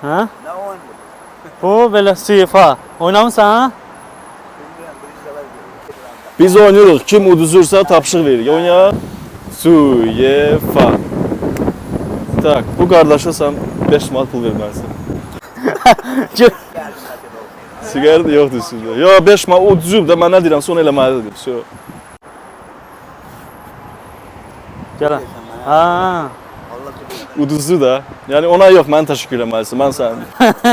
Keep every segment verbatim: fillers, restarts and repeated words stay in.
Ha? Ne oyun bu? Bu böyle UEFA. Oynamışsan ha? Bilmiyorum, birisi de var diyor. Biz oynuyoruz. Kim uduzursa tapşırıq verir. Oynayaq. UEFA. Tak, bu qardaşa sən beş manat pul verməlisən. Geldim acaba o. Siqaret də yoxdur üstündə. Yo, beş manat uduzub da mən nə deyirəm, sonra eləməlidir. So. Gel. Ha. Allah tutuyor. Uduzdu da. Yəni ona yox, mən təşəkkür eləməlisən. Mən sən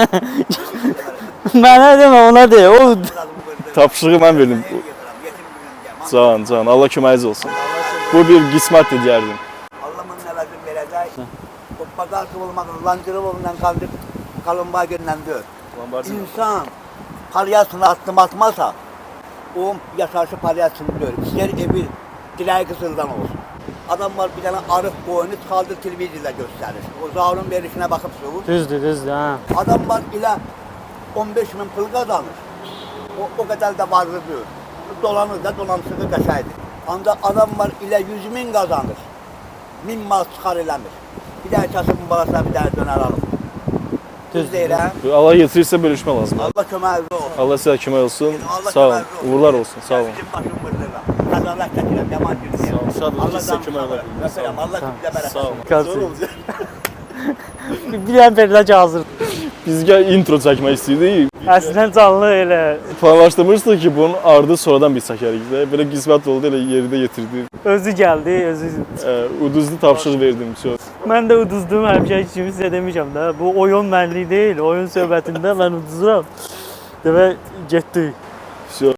Bana deme, ona de. O tapşırığı mən verdim. Can, can. Allah köməyiniz olsun. Bu bir qismətdir deyərdim. Allah'ın ne lazım verecek. O pazar kıvılmak, lancırı olundan kaldık. Kalınbağa gönlendir. İnsan palyasını attım atmasa o yaşarşı palyasını diyor. İster evi dileği kısıldan olsun. Adam var bir tane arık boyunu kaldır televizyonda gösterir. O zavrun verişine bakıp soğur. düzdü, düzdü ha. Adam var ile on beş bin pul kazanır. O, o kadar da varlığı diyor. Dolanır da dolamsızı kaçaydı. Ancak adam var ile yüz bin kazanır. Min mal çıkar eləmir. Bir daha kasımın balasına bir daha döner alır. Düz değil ha. Allah yetirirsə bölüşmə lazım. Allah köməkli olsun. Allah sizə kömək olsun. Allah Sağ olun. köməkli olsun. Uğurlar olsun. Sağ olun. Bizim başım bırdılar. Kazanlar çəkirəm, yaman günü. Sağ olun. Şad olun. Allah Sizə kömək olar. Sağ olun. Allah bizə bərəkət. Sağ olun. Kalsın. Bir an verilecek hazır. Biz gəl intro çəkmək istəyirdik. Əslən canlı elə. Planlaşdırmışdıq ki, bunun ardı sonradan biz çəkərik də. Belə qismət oldu, elə yerində yetirdi. Özü geldi, özü. Ə, uduzlu tapşırıq verdim. Çox. Ben de uduzdum, həmişə kimi sizə demişəm də. Bu oyun mənlik deyil, oyun söhbətində mən uduzuram. Demək getdik. Çox.